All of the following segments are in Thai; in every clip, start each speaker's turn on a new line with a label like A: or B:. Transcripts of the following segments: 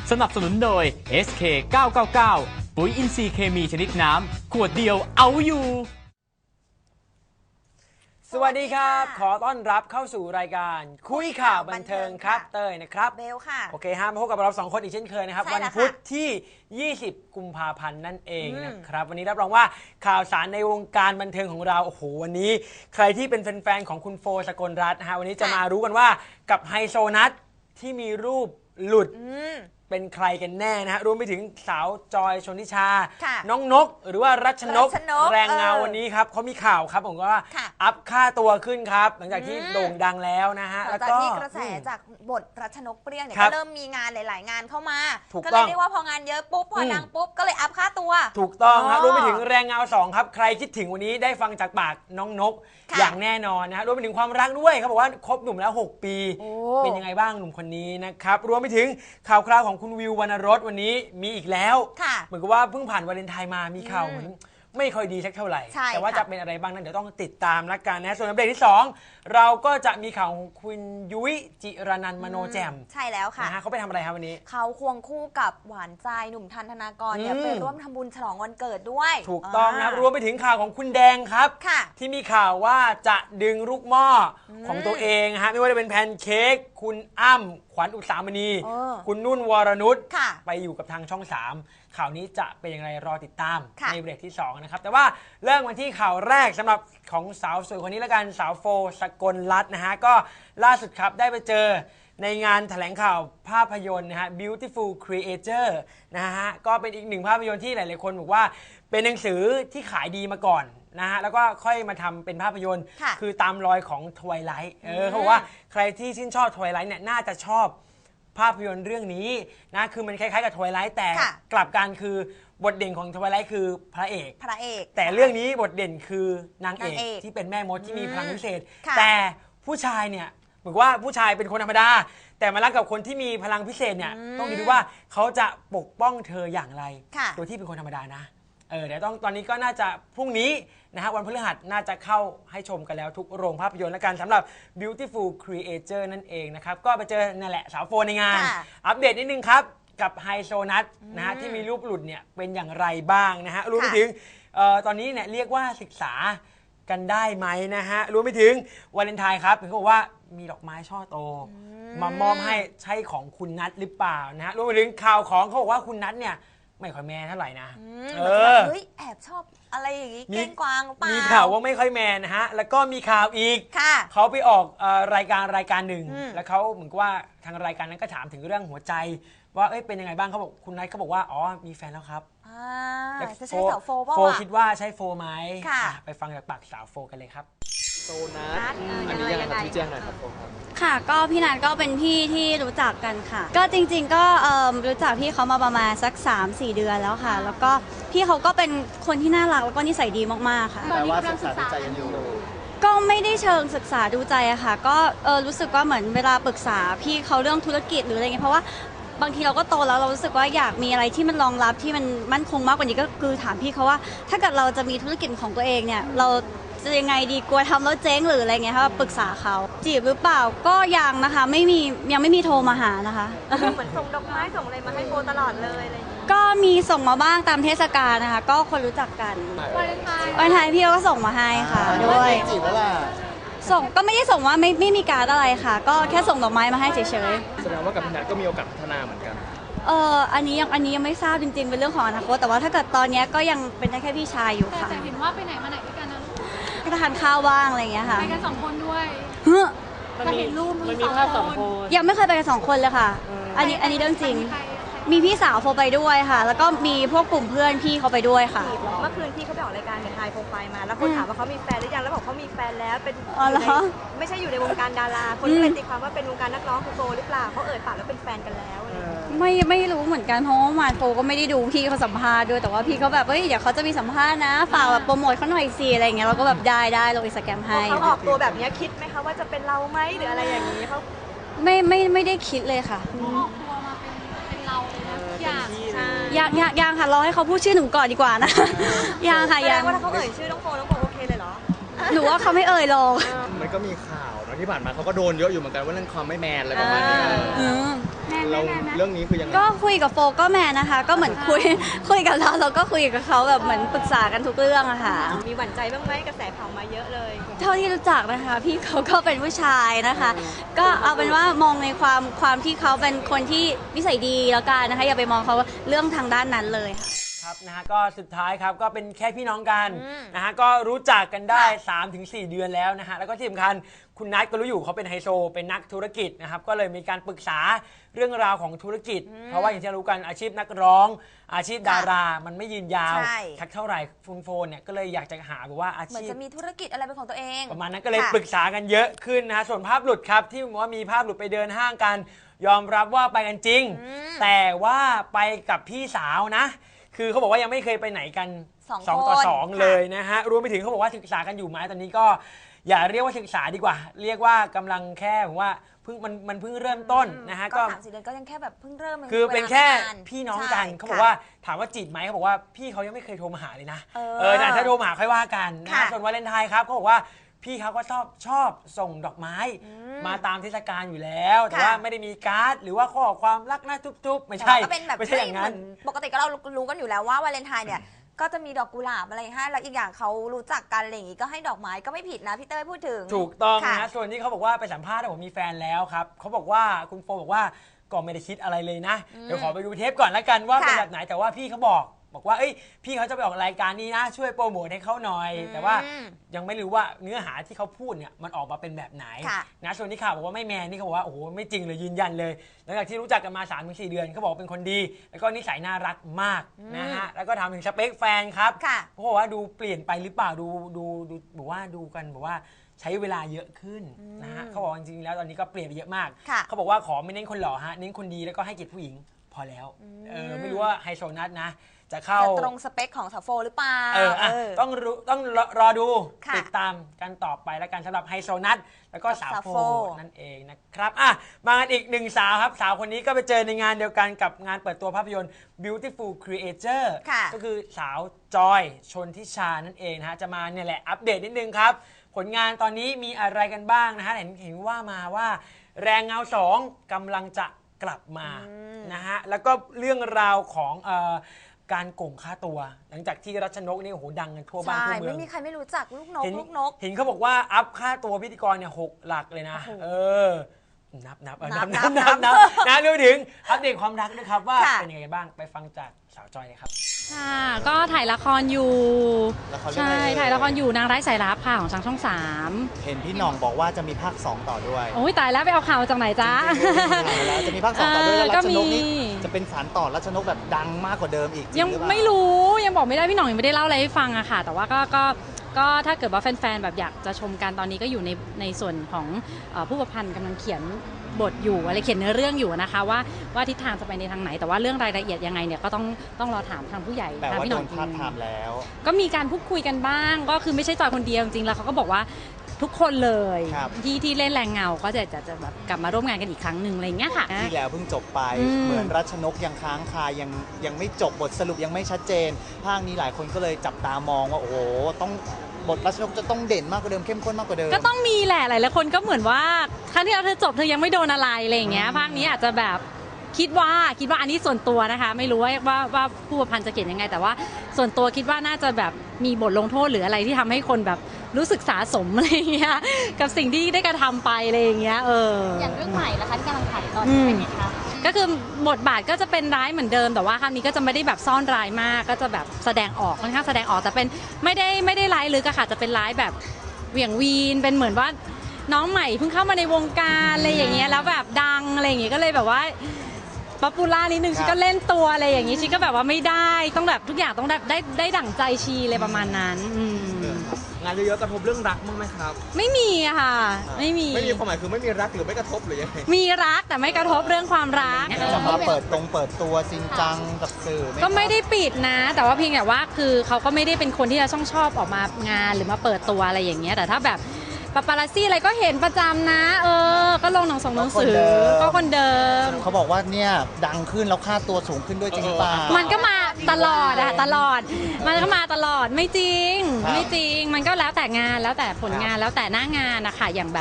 A: สนับสนุนโดย SK 999ปุ๋ยอินทรีย์เคมีชนิดน้ำขวดเดียวเอาอยู่
B: สวัสดีครับขอต้อนรับเข้าสู่รายการคุยข่าวบันเทิงครับเตยนะครับ
C: เบลค่ะ
B: โอเคฮะมาพบกับเรา2คนอีกเช่นเคยนะครับวันพุธที่ 20 กุมภาพันธ์นั่นเองนะครับวันนี้รับรองว่าข่าวสารในวงการบันเทิงของเราโอ้โหวันนี้ใครที่เป็นแฟนๆของคุณโฟสกลรัตน์นะฮะวันนี้จะมารู้กันว่ากับไฮโซนัทที่มีรูปหลุดเป็นใครกันแน่นะฮะรวมไปถึงสาวจอยชนทิชาน้องนกหรือว่ารัชนกแรงเงาวันนี้ครับเขามีข่าวครับผมก็ว่าอัพค่าตัวขึ้นครับหลังจากที่โด่งดังแล้วนะฮะ
C: แล้วก็ที่กระแสจากบทรัชนกเปรี้ยงเนี่ยก็เริ่มมีงานหลายๆงานเข้ามาก็เลยเรียกว่าพองานเยอะปุ๊บพอดังปุ๊บก็เลยอัพค่าตัว
B: ถูกต้องครับรวมไปถึงแรงเงา2ครับใครคิดถึงวันนี้ได้ฟังจากปากน้องนกอย่างแน่นอนนะรวมไปถึงความรักด้วยเขาบอกว่าคบหนุ่มแล้ว6ปีเป็นยังไงบ้างหนุ่มคนนี้นะครับรวมไปถึงข่าวคราวของคุณวิววรรณรสวันนี้มีอีกแล้วเหมือนกับว่าเพิ่งผ่านวาเลนไทน์มามีข่าวเหมือนไม่ค่อยดีสักเท่าไหร่แต่ว่าจะเป็นอะไรบ้างนั้นเดี๋ยวต้องติดตามละกันนะส่วนในเบรกที่2เราก็จะมีข่าวของคุณยุ้ยจิรนันท์มโนแจ่ม
C: ใช่แล้วค่ะ
B: เขาไปทำอะไรครับวันนี้
C: เขาควงคู่กับหวานใจหนุ่มทันธนากรเนี่ยไปร่วมทำบุญฉลองวันเกิดด้วย
B: ถูกต้องนะรวมไปถึงข่าวของคุณแดงครับที่มีข่าวว่าจะดึงลูกหม้อของตัวเองฮะไม่ว่าจะเป็นแพนเค้กคุณอ้ำขวัญอุสามณีคุณนุ่นวรนุชไปอยู่กับทางช่อง3ข่าวนี้จะเป็นอย่างไรรอติดตามในเบรกที่2นะครับแต่ว่าเริ่มกันที่ข่าวแรกสำหรับของสาวสวยคนนี้ละกันสาวโฟสกลรัตน์นะฮะก็ล่าสุดครับได้ไปเจอในงานแถลงข่าวภาพยนตร์นะฮะ Beautiful Creature นะฮะก็เป็นอีกหนึ่งภาพยนตร์ที่หลายๆคนบอกว่าเป็นหนังสือที่ขายดีมาก่อนนะฮะแล้วก็ค่อยมาทำเป็นภาพยนตร์คือตามรอยของ Twilight เขาบอกว่าใครที่ชื่นชอบ Twilight เนี่ยน่าจะชอบภาพยนตร์เรื่องนี้นะคือมันคล้ายๆกับ Twilight แต่กลับกันคือบทเด่นของ Twilight คือพระเอกแต่เรื่องนี้บทเด่นคือนางเอกที่เป็นแม่มดที่มีพลังพิเศษแต่ผู้ชายเนี่ยเหมือนว่าผู้ชายเป็นคนธรรมดาแต่มารักกับคนที่มีพลังพิเศษเนี่ยต้องดูว่าเขาจะปกป้องเธออย่างไรโดยที่เป็นคนธรรมดานะเดี๋ยวต้องตอนนี้ก็น่าจะพรุ่งนี้นะฮะวันพฤหัสน่าจะเข้าให้ชมกันแล้วทุกโรงภาพยนตร์และกันสำหรับ Beautiful Creature นั่นเองนะครับก็ไปเจอนั่นแหละสาวโฟในงานอัปเดตนิดนึงครับกับไฮโซนัทนะฮะที่มีรูปหลุดเนี่ยเป็นอย่างไรบ้างนะฮะรวมไปถึงตอนนี้เนี่ยเรียกว่าศึกษากันได้ไหมนะฮะรวมไปถึงวาเลนไทน์ครับเขาบอกว่ามีดอกไม้ช่อโตมามอบให้ใช่ของคุณนัทหรือเปล่านะฮะรวมไปถึงข่าวของเขาบอกว่าคุณนัทเนี่ยไม่ค่อยแมนเท่าไหร่นะ
C: เฮ้ยแอบชอบอะไรอย่างงี้เก้งกวางเปล่า
B: มีข่าวว่าไม่ค่อยแมนนะฮะแล้วก็มีข่าวอีกเขาไปออกรายการหนึ่งแล้วเขาเหมือนกับว่าทางรายการนั้นก็ถามถึงเรื่องหัวใจว่าเป็นยังไงบ้างเขาบอกคุณนัทเขาบอกว่าอ๋อมีแฟนแล้วครับ
C: จะใช่สาวโฟป่ะ
B: โฟคิดว่าใช่โฟไหมไปฟังจากปากสาวโฟกันเลยครับ
D: โซนัทอันนี้ยังไงชี้แจงหน่อยครับโฟครับ
E: ค่ะก็พี่นัทก็เป็นพี่ที่รู้จักกันค่ะก็จริงๆก็รู้จักพี่เขามาประมาณสัก 3-4 เดือนแล้วค่ะแล้วก็พี่เขาก็เป็นคนที่น่ารักแล้วก็นิสัยดีมากๆค่ะ
D: แต่ว่าศึกษาดูใจกันอยู่
E: ก็ไม่ได้เชิงศึกษาดูใจอะค่ะก็รู้สึกว่าเหมือนเวลาปรึกษาพี่เขาเรื่องธุรกิจหรืออะไรเงี้ยเพราะว่าบางทีเราก็โตแล้วเรารู้สึกว่าอยากมีอะไรที่มันรองรับที่มันมั่นคงมากกว่านี้ก็คือถามพี่เขาว่าถ้าเกิดเราจะมีธุรกิจของตัวเองเนี่ยเราจะยังไงดีกลัวทำแล้วเจ๊งหรืออะไรเงี้ยค่ะปรึกษาเขาจีบหรือเปล่าก็ยังนะคะยังไม่มีโทรมาหานะคะ
C: เหมือนส่งดอกไม้ส่งอะไรมาให้โฟตลอดเลยอะไรอย่างเงี้ย
E: ก็มีส่งมาบ้างตามเทศกาลนะคะก็คนรู้จักกันวันไทยพี่ก็ส่งมาให้ค่ะด้วย
D: จีบแล้วล่ะ
E: ส่งก็ไม่ได้ส่งว่าไม่มีการ์ดอะไรค่ะก็แค่ส่งดอกไม้มาให้เฉย
D: ๆแสดงว่ากับพี่นัทก็มีโอกาสพัฒนาเหมือนกัน
E: อันนี้ยังไม่ทราบจริงๆเป็นเรื่องของอนาคตแต่ว่าถ้าเกิดตอนนี้ก็ยังเป็นได้แค่พี่ชายอยู่ค่ะ
F: แต่เห็นว่าไปไหนมาไหนด้วยกันนะ
E: ไปทานข้าวบ้างอะไรอย่างเงี้ยค่ะ
F: ไปกัน2 คนด้วย
D: มัน
F: เห็นรูป
D: มันมีภาพ2 คน
E: ยังไม่เคยไปกัน2 คนเลยค่ะอันนี้เรื่องจริงมีพี่สาวโฟไปด้วยค่ะแล้วก็มีพวกกลุ่มเพื่อนพี่เขาไปด้วยค่ะ
C: เมื่อคืนพี่เขาไปออกรายการกับไทยโปรไฟล์มาแล้วคนถามว่าเขามีแฟนหรือยังแล้วบอกเขามีแฟนแล้วเป็นไม่ใช่อยู่ในวงการดาราคนก็เลยตีความว่าเป็นวงการนักร้องโฟหรือเปล่าเขาปากแล้วเป็นแฟนกันแล้ว
E: ไม่รู้เหมือนกันเพราะว่ามาโฟก็ไม่ได้ดูพี่เขาสัมภาษณ์ด้วยแต่ว่าพี่เขาแบบเดี๋ยวเขาจะมีสัมภาษณ์นะฝากแบบโปรโมทเขาหน่อยสิอะไรอย่างเงี้ยเราก็แบบได้ลงอินสตาแกรมให้
C: เขาออกตัวแบบนี้คิดไหมคะว่าจะเป็นเราไหมหรืออะไรอย่างนี้เขา
E: ไม่ได้คิดเลยค่ะยังค่ะรอให้เขาพูดชื่อหนูก่อนดีกว่านะยังค่ะยัง
C: ว่าถ้าเขาเอ่ยชื่อน้องโฟโอเคเลยเหรอ
E: หนูว่าเขาไม่เอ่ยหรอก
D: มันก็มีข่าวนะที่ผ่านมาเขาก็โดนเยอะอยู่เหมือนกันว่าเรื่องความไม่แมนอะไรประมาณนี้ เราเรื่องนี้คือยังไง
E: ก็คุยกับโฟก็แมนนะคะ ก็เหมือนคุยกับเราก็คุยกับเขาแบบเหมือนปรึกษากันทุกเรื่องอะค่ะ
C: มีหวั่นใจบ้างไหมกระแสข่าวมาเยอะเลย
E: เท่าที่รู้จักนะคะพี่เขาก็เป็นผู้ชายนะคะ ก็เอาเป็นว่ามองในความที่เขาเป็นคนที่นิสัยดีแล้วกันนะคะอย่าไปมองเขาเรื่องทางด้านนั้นเลยค่ะ
B: ครับนะฮะก็สุดท้ายครับก็เป็นแค่พี่น้องกันนะฮะก็รู้จักกันได้ 3-4 เดือนแล้วนะฮะแล้วก็ที่สำคัญคุณนัทก็รู้อยู่เขาเป็นไฮโซเป็นนักธุรกิจนะครับก็เลยมีการปรึกษาเรื่องราวของธุรกิจ เพราะว่าอย่างที่รู้กันอาชีพนักร้อง อาชีพดารามันไม่ยืนยาวทักเท่าไหร่โฟนเนี่ยก็เลยอยากจะหาแบบว่าอาชีพเหมือน
G: จะมีธุรกิจอะไรเป็นของตัวเอง
B: ประมาณนั้นก็เลยปรึกษากันเยอะขึ้นนะฮะส่วนภาพหลุดครับที่บอกว่ามีภาพหลุดไปเดินห้างกันยอมรับว่าไปกันจริงแต่ว่าไปกับพี่สาวนะคือเขาบอกว่ายังไม่เคยไปไหนกัน2 ต่อ 2เลยนะฮะรวมไปถึงเขาบอกว่าศึกษากันอยู่ไหมตอนนี้ก็อย่าเรียกว่าศึกษาดีกว่าเรียกว่ากำลังแค่ผมว่ามันเพิ่งเริ่มต้นนะฮะ
G: ก็3-4 เดือนก็ยังแค่แบบเพิ่งเริ่ม
B: คือเป็นแค่พี่น้องกันเขาบอกว่าถามว่าจีบไหมเขาบอกว่าพี่เขายังไม่เคยโทรมาหาเลยนะแต่ถ้าโทรมาหาค่อยว่ากันนะส่วนวาเลนไทน์ครับเขาบอกว่าพี่เขาก็ชอบส่งดอกไม้มาตามเทศกาลอยู่แล้วแต่ว่าไม่ได้มีการ์ดหรือว่าข้อความรักนะจุ๊บๆไม่ใช่
G: ก็เป็นแบบ
B: ไม่ใช่อย่างนั้น
G: ปกติก็เรารู้กันอยู่แล้วว่าวาเลนไทน์เนี่ยก็จะมีดอกกุหลาบอะไรให้แล้วอีกอย่างเขารู้จักกันอะไรอย่างงี้ก็ให้ดอกไม้ก็ไม่ผิดนะพี่เต้ยพูดถึง
B: ถูกต้องนะส่วนที่เขาบอกว่าไปสัมภาษณ์ผมมีแฟนแล้วครับเขาบอกว่าคุณโฟบอกว่าก็ไม่ได้คิดอะไรเลยนะเดี๋ยวขอไปดูเทปก่อนแล้วกันว่าเป็นแบบไหนแต่ว่าพี่เขาบอกว่าเอ้ยพี่เขาจะไปออกรายการนี้นะช่วยโปรโมทให้เขาหน่อยแต่ว่ายังไม่รู้ว่าเนื้อหาที่เขาพูดเนี่ยมันออกมาเป็นแบบไหนนะส่วนที่ข่าวบอกว่าไม่แมนนี่เขาบอกว่าโอ้โหไม่จริงเลยยืนยันเลยหลังจากที่รู้จักกันมา 3-4 เดือนเขาบอกเป็นคนดีแล้วก็นิสัยน่ารักมากนะฮะแล้วก็ถามถึงสเปคแฟนครับเขาบอกว่าดูเปลี่ยนไปหรือเปล่าดูบอกว่าดูกันบอกว่าใช้เวลาเยอะขึ้นนะฮะเขาบอกจริงๆแล้วตอนนี้ก็เปลี่ยนไปเยอะมากเขาบอกว่าขอไม่เน้นคนหล่อฮะเน้นคนดีแล้วก็ให้เกียรติผู้หญิงพอแล้วไม่รู้ว่าไฮโซนัทนะจะเข้า
G: ตรงสเปคของสาวโฟหรือเปล่า
B: ต้องรอดูติดตามกันต่อไปแล้วกันสำหรับไฮโซนัทแล้วก็สาวโฟนั่นเองนะครับมากันอีกหนึ่งสาวครับสาวคนนี้ก็ไปเจอในงานเดียวกันกับงานเปิดตัวภาพยนตร์ Beautiful Creator ก็คือสาวจอยชนทิชานั่นเองนะฮะจะมาเนี่ยแหละอัปเดตนิดนึงครับผลงานตอนนี้มีอะไรกันบ้างนะฮะเห็นว่าแรงเงา2กำลังจะกลับมานะฮะแล้วก็เรื่องราวของการโกงค่าตัวหลังจากที่รัชนกนี่โอ้โหดังกันทั่วบ้านทั่วเมือง
G: ไม่มีใครไม่รู้จักลูกนก
B: เห็นเขาบอกว่าอัพค่าตัวพิธีกรเนี่ย6 หลักเลยนะนับนะรวมถึงอัปเดตความรักด้วยครับว่าเป็นยังไงบ้างไปฟังจากสาวจอยเลยครับ
H: ค่ะก็ถ่ายละครอยู่ใช่ถ่ายละครอยู่นางร้ายสายลับค่ะของทางช่อง 3
I: เห็นพี่หน่องบอกว่าจะมีภาค 2 ต่อด้วย
H: โอ้ยตายแล้วไปเอาข่าวจากไหนจ๊ะ
I: แล้วจะมีภาค 2 ต่อด้วยแล้วรัชนกนี่จะเป็นสารต่อรัชนกแบบดังมากกว่าเดิมอีก
H: ยังไม่รู้ยังบอกไม่ได้พี่หน่องยังไม่ได้เล่าอะไรให้ฟังอะค่ะแต่ว่าก็ถ้าเกิดว่าแฟนๆแบบอยากจะชมกันตอนนี้ก็อยู่ในส่วนของผู้ประพันธ์กำลังเขียนบทอยู่อะไรเขียนเนื้อเรื่องอยู่นะคะว่าทิศทางจะไปในทางไหนแต่ว่าเรื่องรายละเอียดยังไงเนี่ยก็ต้องรอถามทางผู้ใหญ่
I: ทางพี่หน่องพาดถามแล้ว
H: ก็มีการพูดคุยกันบ้างก็คือไม่ใช่จอยคนเดียวจริงๆแล้วเขาก็บอกว่าทุกคนเลยที่เล่นแรงเงาก็จะแบบกลับมาร่วมงานกันอีกครั้งหนึ่งอะไรอย่างเงี้ยค่ะ
I: ที่แล้วเพิ่งจบไปเหมือนรัชนกยังค้างคายังไม่จบบทสรุปยังไม่ชัดเจนภาคนี้หลายคนก็เลยจับตามองว่าโอ้โหต้องบทรัชนกจะต้องเด่นมากกว่าเดิมเข้มข้นมากกว่าเดิม
H: ก็ต้องมีแหละหลายๆคนก็เหมือนว่าครั้งที่เราเธอจบเธอยังไม่โดนอะไรอย่างเงี้ยภาคนี้อาจจะแบบคิดว่าอันนี้ส่วนตัวนะคะไม่รู้ว่าผู้ประพันธ์จะเขียนยังไงแต่ว่าส่วนตัวคิดว่าน่าจะแบบมีบทลงโทษหรืออะไรที่ทำให้คนแบบรู้สึกสะสมอะไรอย่างเงี้ยกับสิ่งที่ได้กระทำไปอะไรอย่างเงี้ย
G: อย่างเรื่องใหม่ละคะที่กำลังถ่ายตอนนี้เป็นไงคะ
H: ก็คือบทบาทก็จะเป็นร้ายเหมือนเดิมแต่ว่าครั้งนี้ก็จะไม่ได้แบบซ่อนร้ายมากก็จะแบบแสดงออกค่อนข้างแสดงออกแต่เป็นไม่ได้ร้ายลึกอะค่ะจะเป็นร้ายแบบเหวี่ยงวีนเป็นเหมือนว่าน้องใหม่เพิ่งเข้ามาในวงการอะไรอย่างเงี้ยแล้วแบบดังอะไรอย่างเงี้ยก็เลยแบบว่าป๊อปปูล่านิดนึงชีก็เล่นตัวอะไรอย่างงี้ชีก็แบบว่าไม่ได้ต้องแบบทุกอย่างต้องได้ดั่งใจชีเลยประมาณนั้น
D: งานเยอะๆกระทบเรื่องรักมั้งไหมครับ
H: ไม่มีอะค่ะไม่มี
D: ความหมายคือไม่มีรักหรือไม่กระทบหรือยังไง
H: มีรักแต่ไม่กระทบเรื่องความรัก
I: จะมาเปิดตัวจริงจังกับสื่อ
H: ก็ไม่ได้ปิดนะแต่ว่าเพียงแต่ว่าคือเขาก็ไม่ได้เป็นคนที่จะชอบออกมางานหรือมาเปิดตัวอะไรอย่างเงี้ยแต่ถ้าแบบปาปารัสซี่อะไรก็เห็นประจำนะก็ลงหนังสือก็คนเดิม
I: เขาบอกว่าเนี่ยดังขึ้นแล้วค่าตัวสูงขึ้นด้วยจริงหรือเปล่า
H: มันก็มาตลอดมันก็มาตลอดไม่จริงมันก็แล้วแต่งานแล้วแต่ผลงานแล้วแต่หน้างานนะคะอย่างแบบ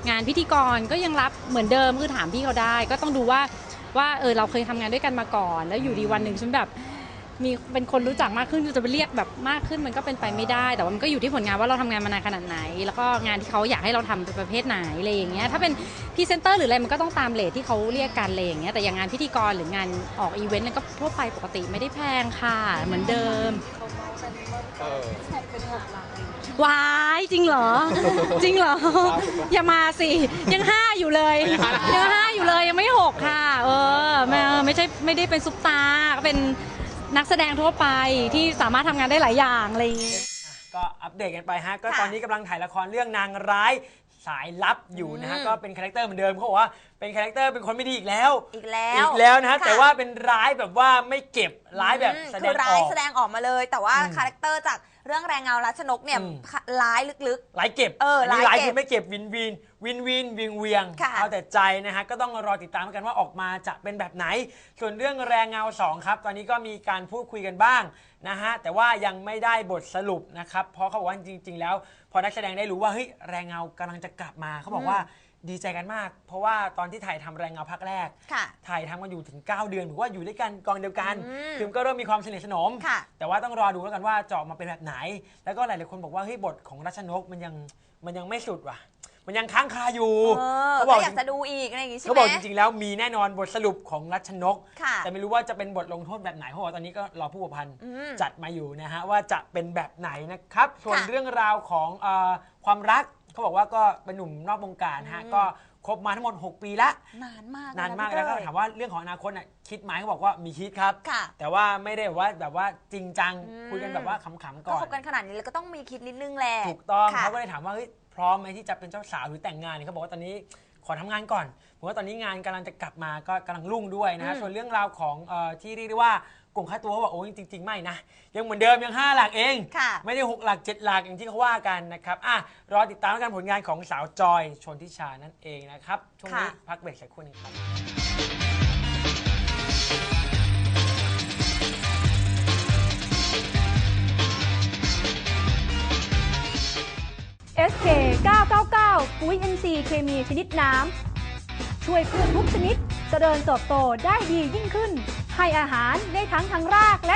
H: งานพิธีกรก็ยังรับเหมือนเดิมคือถามพี่เขาได้ก็ต้องดูว่าเราเคยทำงานด้วยกันมาก่อนแล้วอยู่ดีวันหนึ่งฉันแบบมีเป็นคนรู้จักมากขึ้นจะไปเรียกแบบมากขึ้นมันก็เป็นไปไม่ได้แต่ว่ามันก็อยู่ที่ผลงานว่าเราทำงานมานานขนาดไหนแล้วก็งานที่เขาอยากให้เราทำเป็นประเภทไหนอะไรอย่างเงี้ยถ้าเป็นพรีเซนเตอร์หรืออะไรมันก็ต้องตามเรทที่เขาเรียกกันอะไรอย่างเงี้ยแต่อย่างงานพิธีกรหรืองานออกอีเวนต์ก็ทั่วไปปกติไม่ได้แพงค่ะเหมือนเดิมว้ายจริงเหรอ จริงเหรออย่ามาสิยัง5อยู่เลยยัง5อยู่เลยยังไม่6ค่ะไม่ใช่ไม่ได้เป็นซุปตาร์ก็เป็นนักแสดงทั่วไปที่สามารถทำงานได้หลายอย่างอะไรอย่างเงี้ย
B: ก็อัปเดตกันไปฮะก็ตอนนี้กำลังถ่ายละครเรื่องนางร้ายสายลับอยู่นะฮะก็เป็นคาแรคเตอร์เหมือนเดิมเขาบอกว่าเป็นคาแรคเตอร์เป็นคนไม่ดีอีกแล้วนะฮะแต่ว่าเป็นร้ายแบบว่าไม่เก็บร้ายแบบแสดงออก
G: คือร้ายแสดงออกมาเลยแต่ว่าคาแรคเตอร์จากเรื่องแรงเงารัชนกเนี่ยร้ายลึก
B: ๆร้ายเก็บร้ายคือไม่เก็บวินเวียงเอาแต่ใจนะฮะก็ต้องรอติดตามกันว่าออกมาจะเป็นแบบไหนส่วนเรื่องแรงเงา2ครับตอนนี้ก็มีการพูดคุยกันบ้างนะฮะแต่ว่ายังไม่ได้บทสรุปนะครับเพราะเขาบอกว่าจริงๆแล้วพอนักแสดงได้รู้ว่าเฮ้ยแรงเงากำลังจะกลับมาเขาบอกว่าดีใจกันมากเพราะว่าตอนที่ถ่ายทำแรงเงาภาคแรกถ่ายทำกันอยู่ถึง9 เดือนถือว่าอยู่ด้วยกันกองเดียวกันคือก็เริ่มมีความสนิทสนมแต่ว่าต้องรอดูแล้วกันว่าจะออกมาเป็นแบบไหนแล้วก็หลายๆคนบอกว่าเฮ้ยบทของรัชนกมันยังไม่สุดว่ะมันยังค้างคาอยู่
G: เขาบอกอยากจะดูอีกอะไรอย่างงี้ใช่ไหม
B: เขาบอกจริงๆแล้วมีแน่นอนบทสรุปของรัชนกแต่ไม่รู้ว่าจะเป็นบทลงโทษแบบไหนเพราะว่าตอนนี้ก็รอผู้ประพันธ์จัดมาอยู่นะฮะว่าจะเป็นแบบไหนนะครับส่วนเรื่องราวของความรักเขาบอกว่าก็เป็นหนุ่มนอกวงการฮะก็คบมาทั้งหมด6 ปีแล้ว
G: นานมาก
B: แล้วก็ถามว่าเรื่องของอนาคตน่ะคิดไหมเขาบอกว่ามีคิดครับแต่ว่าไม่ได้แบบว่าจริงจังคุยกันแบบว่าขำๆก่อน
G: ก็คบกันขนาดนี้แล้วก็ต้องมีคิดนิดนึงแหละ
B: ถูกต้องเขาก็เลยถามว่าเฮ้ยพร้อมไหมที่จะเป็นเจ้าสาวหรือแต่งงานเขาบอกว่าตอนนี้ขอทำงานก่อนผมว่าตอนนี้งานกำลังจะกลับมาก็กำลังรุ่งด้วยนะฮะส่วนเรื่องราวของที่เรียกได้ว่ากลุ่มค่าตัวเขาบอกโอ้ยจริงๆไม่นะยังเหมือนเดิมยัง5 หลักเองไม่ได้6 หลัก 7 หลักอย่างที่เขาว่ากันนะครับรอติดตามกันผลงานของสาวจอยชนทิชานั่นเองนะครับช่วงนี้พักเบรกสักครู่นึงครับ
J: SK 999 ปุ๋ย NC เคมีชนิดน้ำช่วยพืชทุกชนิดเจริญเติบโตได้ดียิ่งขึ้นให้อาหารได้ทั้งรากและ